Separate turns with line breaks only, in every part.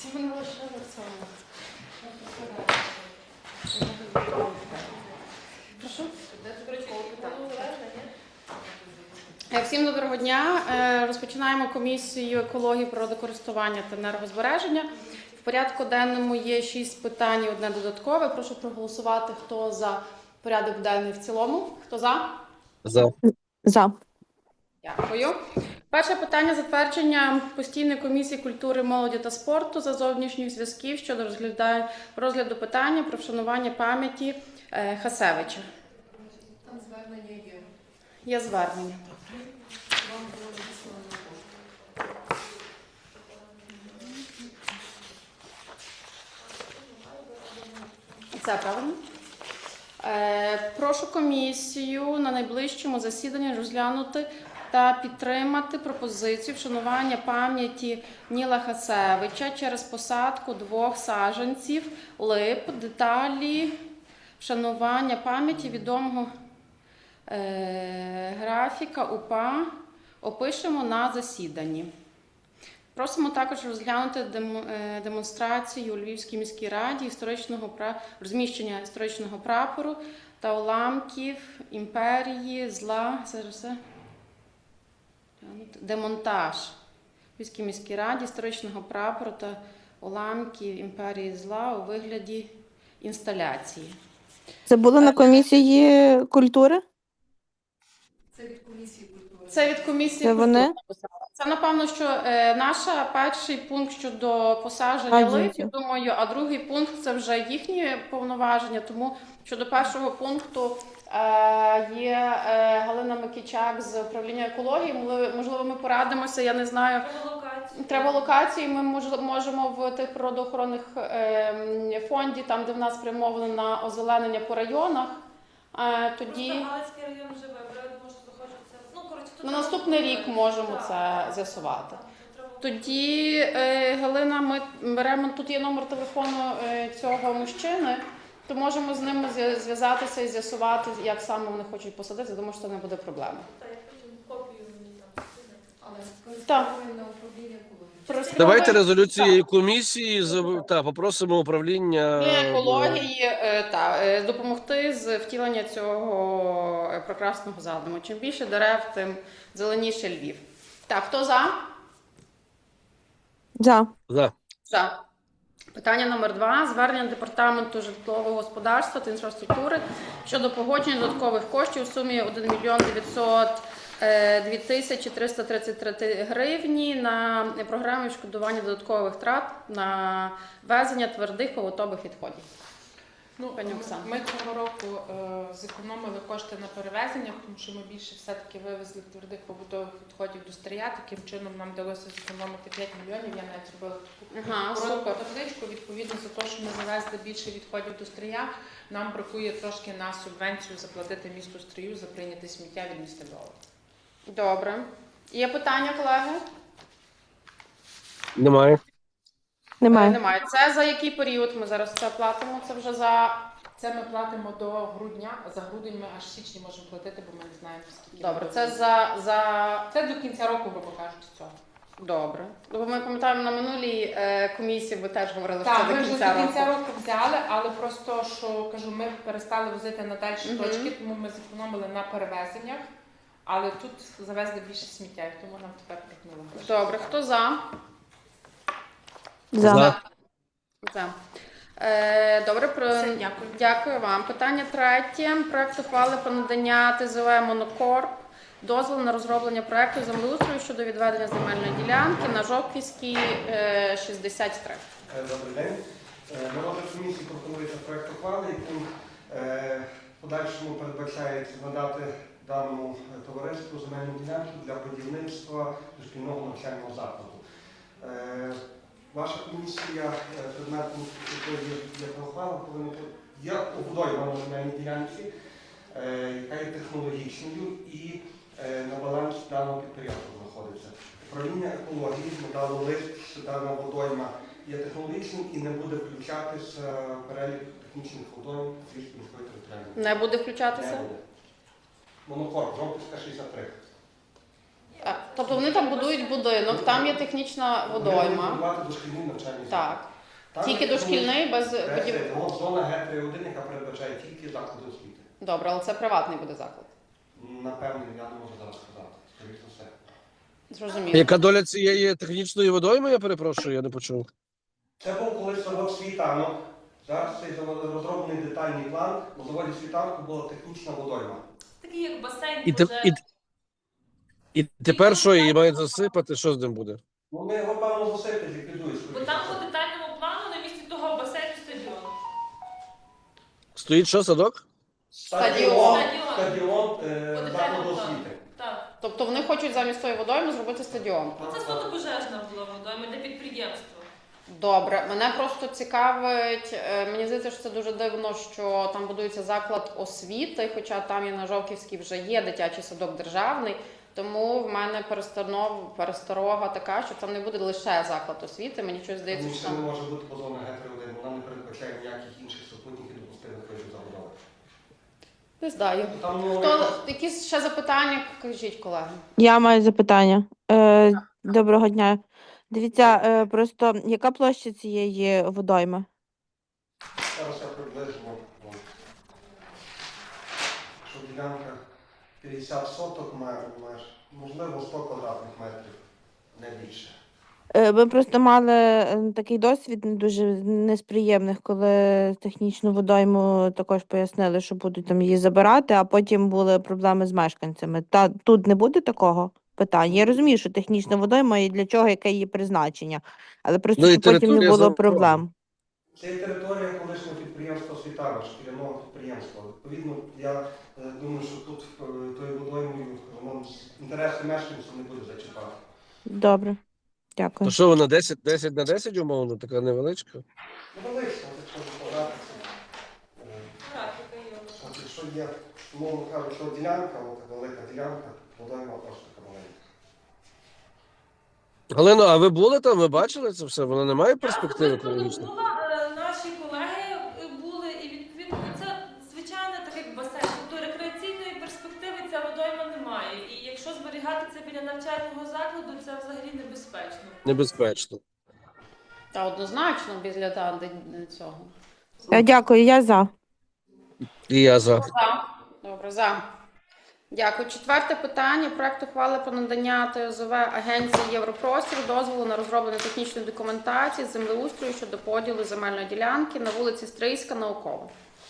Всім доброго дня. Розпочинаємо комісію екології, природокористування та енергозбереження. В порядку денному є 6 питань і одне додаткове. Прошу проголосувати, хто за порядок денний в цілому. Хто за?
За.
Дякую. Перше питання – затвердження постійної комісії культури, молоді та спорту за зовнішніх зв'язків щодо розгляду питання про вшанування пам'яті Хасевича.
Там звернення є.
Є звернення.
Вам було надіслано на пошту.
Це правильно? Прошу комісію на найближчому засіданні розглянути та підтримати пропозицію вшанування пам'яті Ніла Хасевича через посадку 2 саджанців лип. Деталі вшанування пам'яті відомого графіка УПА опишемо на засіданні. Просимо також розглянути демонстрацію у Львівській міській раді розміщення історичного прапору та уламків імперії зла. Демонтаж у Львівській міській раді історичного прапору та уламків імперії зла у вигляді інсталяції.
Це було на комісії культури?
Це від комісії культури.
Це від комісії
Це
культури.
вони?
Це, напевно, що наш перший пункт щодо посадження лип, я думаю, а другий пункт – це вже їхні повноваження. Тому щодо першого пункту є Галина Микичак з управління екології. Можливо, ми порадимося, я не знаю. Треба локації. Ми можемо в тих природоохоронних фонді, там, де в нас спрямовано на озеленення по районах, тоді...
Просто Галицький район живе, я думаю, що захочеться. Ну, коротше,
На наступний рік можемо це з'ясувати. Тоді, Галина, ми беремо, тут є номер телефону цього мужчини, то можемо з ними зв'язатися і з'ясувати, як саме вони хочуть посадити. Думаю, що це не буде проблеми.
Так, я потім копію мені там.
Але скористовуємо на управління екології.
Давайте резолюції комісії попросимо управління
Екології допомогти з втілення цього прекрасного задуму. Чим більше дерев, тим зеленіше Львів. Так, хто за?
За.
За. Питання номер 2. Звернення Департаменту житлового господарства та інфраструктури щодо погодження додаткових коштів у сумі 1 мільйон 902 тисячі 333 гривні на програму відшкодування додаткових втрат на везення твердих побутових відходів. Пані Оксана.
Ми цього року зекономили кошти на перевезеннях, тому що ми більше все-таки вивезли твердих побутових відходів до Стрия. Таким чином нам вдалося зекономити 5 мільйонів. Я навіть зробила таку коротку табличку. Відповідно за те, що ми завезли більше відходів до Стрия, нам бракує трошки на субвенцію заплатити місту Стрию за прийняте сміття від міста Львова.
Добре. Є питання, колеги?
Немає.
Немає. Це за який період ми зараз це платимо? Це вже за...
Це ми платимо до грудня, а за грудень ми аж в січні можемо платити, бо ми не знаємо, скільки.
Добре,
буде.
це
Це до кінця року, грубо кажучи, цього.
Добре. Бо ми пам'ятаємо, на минулій комісії ви теж говорили, що
Так,
це
ми
до
вже
кінця
до кінця
року.
року взяли, але просто, що, кажу, ми перестали возити на дальші точки, тому ми зекономили на перевезеннях, але тут завезли більше сміття, і тому нам тепер прикнули гроші.
Добре, хто за?
За.
За. Добре,
Дякую.
Дякую вам. Питання 3. Проект ухвали про надання ТЗВ «Монокорп» дозволу на розроблення проекту землеустрою щодо відведення земельної ділянки на Жовківській, 63.
Добрий день. На розгляд комісії пропонується проект ухвали, яким в подальшому передбачається надати даному товариству земельну ділянку для будівництва дошкільного навчального закладу. Ваша комісія, предметом якої є ухвала, повинна є обудована земельній ділянці, яка є технологічною і на балансі даного підприємства знаходиться. Управління екології надало лист, що дана водойма є технологічним і не буде включатися в перелік технічних водойм Львівської міської територіальної.
Не буде включатися?
Не буде. Монокорп, Жовківська, 63.
Тобто вони там будують будинок, там є технічна
Вони
водойма.
будувати дошкільні навчальні заклади.
Так.
Там
Тільки
є
дошкільний, без будів.
От зона Г3.1, яка передбачає тільки заклади освіти.
Добре, але це приватний буде заклад.
Напевно, я не можу зараз сказати. Скоріше за все.
Зрозуміло.
Яка доля цієї технічної водойми, я перепрошую, я не почув.
Це був колись завод світанок. Зараз цей розроблений детальний план. У заводі світанку була технічна водойма.
Такий як басейн,
І, те-
пожежний.
і тепер що, її мають засипати, що з ним буде?
Ну, ми його, певно, засипать, ліквідують.
Бо там по детальному плану на місці того басейну стадіон.
Стоїть що, садок?
Стадіон
По
закладу
детальному
освіти.
плану. Так.
Тобто вони хочуть замість тої водойми зробити стадіон.
Це суто пожежна була водойма для підприємства.
Добре, мене просто цікавить, мені здається, що це дуже дивно, що там будується заклад освіти, хоча там і на Жовківській вже є дитячий садок державний, тому в мене пересторога така, що там не буде лише заклад освіти, мені щось здається,
Тому
що
що не
там...
може бути по зоні Г3.1, вона не передбачає ніяких інших супутників допустимих видів забудови.
Не знаю.
Там, ну,
Хто, якісь ще запитання, кажіть, колеги.
Я маю запитання. Доброго дня. Дивіться, просто яка площа цієї водойми?
Зараз я приблизно. Що ділянка 50 соток меж, можливо 100 квадратних метрів, не більше.
Ми просто мали такий досвід не дуже не з приємних, коли технічну водойму також пояснили, що будуть там її забирати, а потім були проблеми з мешканцями. Та тут не буде такого питання. Я розумію, що технічна водойма і для чого, яке її призначення, але просто
Ну, і
щоб потім не
територія
було
заборонена.
проблем.
Це є територія колишнього підприємства Світана, шкіряного підприємства. Відповідно, я думаю, що тут тою водоймою воно інтереси мешканців не буде зачіпати.
Добре, дякую.
То що вона 10 на 10 умовно, така невеличка?
Ну, велично, якщо розповідатися.
Графіка є.
От якщо є, умовно кажучи, що ділянка, от велика ділянка, водойма просто така маленька.
Галино, а ви були там, ви бачили це все? Вона не має перспективи
Я
екологічної?
була, наші колеги були, і відповідно це звичайно так як басейн. Тобто рекреаційної перспективи ця водойма немає. І якщо зберігати це біля навчального закладу, це взагалі небезпечно.
Небезпечно.
Та однозначно біля цього.
Дякую, я за.
І я за.
За. Добре, за. Дякую. Четверте питання. Проект ухвали про надання ТОЗВ Агенції Європростір дозволу на розроблення технічної документації з землеустрою щодо поділу земельної ділянки на вулиці Стрийська, Наукова.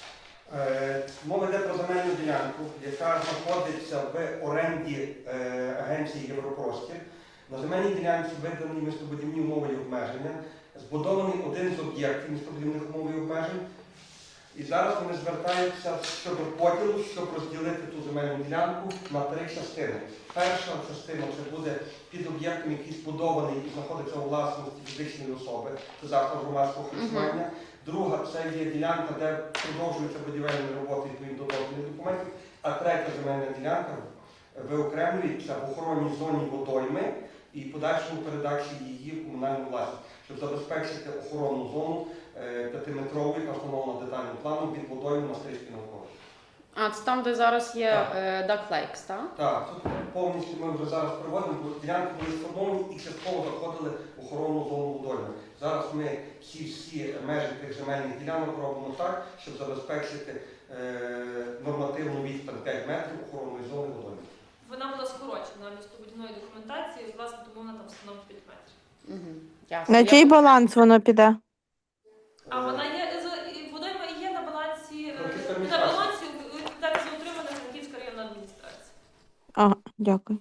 Мова йде про земельну ділянку, яка знаходиться в оренді Агенції Європростір. На земельній ділянці видані містобудівні умови і обмеження, збудований один з об'єктів містобудівних умов і обмежень. І зараз вони звертаються щодо поділу, щоб розділити ту земельну ділянку на 3 частини. Перша частина це буде під об'єктом, який збудований і знаходиться у власності фізичної особи, це заклад громадського харчування. Друга це є ділянка, де продовжуються будівельні роботи відповідно до дозвільних документів. А третя земельна ділянка виокремлюється в охоронній зоні водойми і подальшому передачі її в комунальну власність, щоб забезпечити охоронну зону 5-метрової, яка встановлена детальним планом від водойми на Стрийській Науковій.
А, це там, де зараз є Duck Lakes, так?
Так, тут повністю ми вже зараз приводимо, бо ділянки були сформовані і частково заходили в охоронну зону водойми. Зараз ми всі межі тих земельних ділянок робимо так, щоб забезпечити нормативну відстань 5 метрів охоронної зони водойми.
Вона була скорочена містобудівної документації, власне, тому вона там становить 5 метрів.
Угу. Ясно.
На чий баланс воно піде?
А вона є, і водойма і є на балансі,
Франківська
на
адміністрація.
балансі відповідальність за утримання Франківська районна адміністрація.
Ага, дякую.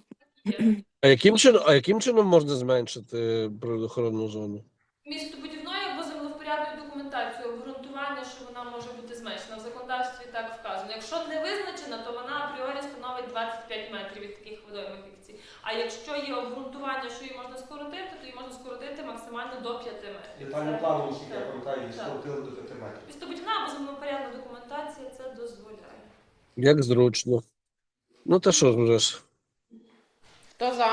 А яким чином можна зменшити природоохоронну зону?
Містобудівною або землевпорядною документацією обґрунтування, що вона може бути зменшена. В законодавстві так вказано. Якщо не визначена, то вона апріорі становить 25 метрів від таких водоймих як ці. А якщо є обґрунтування, що її можна скоротити, то її можна скоротити максимально до 5 метрів.
Детальним планом, наскільки я
Так.
пам'ятаю, її
Так.
скоротили до 5 метрів.
Містобудівна або землевпорядна документація це дозволяє.
Як зручно. Ну та що ж вже ж.
Хто за?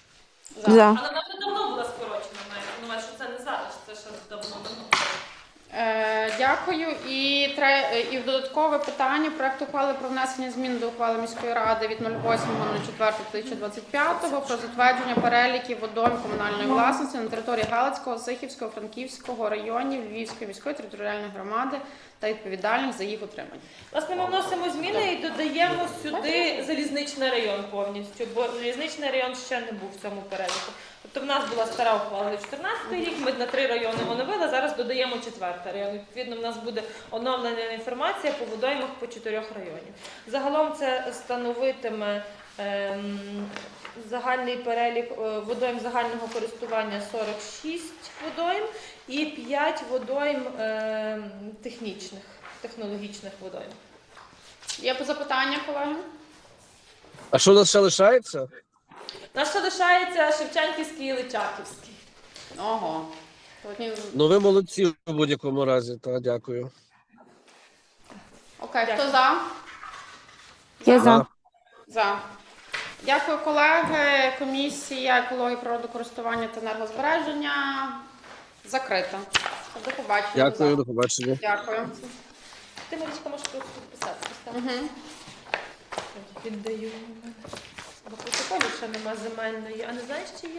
За.
Але вона вже давно була скорочена, мається на увазі, що це не зараз, це ще давно.
Дякую. І додаткове питання. Проект ухвали про внесення змін до ухвали міської ради від 08.04.2025 про затвердження переліків водойм комунальної власності на території Галицького, Сихівського, Франківського районів Львівської міської територіальної громади та відповідальних за їх утримання.
Власне, ми вносимо зміни і додаємо сюди залізничний район повністю, бо залізничний район ще не був в цьому переліку. Тобто в нас була стара ухвала від 14 рік, ми на 3 райони оновили, зараз додаємо 4-й район. Відповідно, в нас буде оновлена інформація по водоймах по 4 районів. Загалом це становитиме загальний перелік водойм загального користування 46 водойм і 5 водойм технологічних водойм.
Є запитання, колеги?
А що у нас ще лишається?
У нас ще лишається Шевченківський і Личаківський.
Ого. Сьогодні...
Ну ви молодці в будь-якому разі, та дякую.
Окей, хто за?
Я за.
За. Дякую, колеги. Комісія екології, природокористування та енергозбереження закрита. До побачення.
Дякую, до побачення.
Дякую.
Ти, Марічка, можеш просто підписатися.
Угу.
Віддаю. Бо протоколів ще нема земельної. А не знаєш, чи є?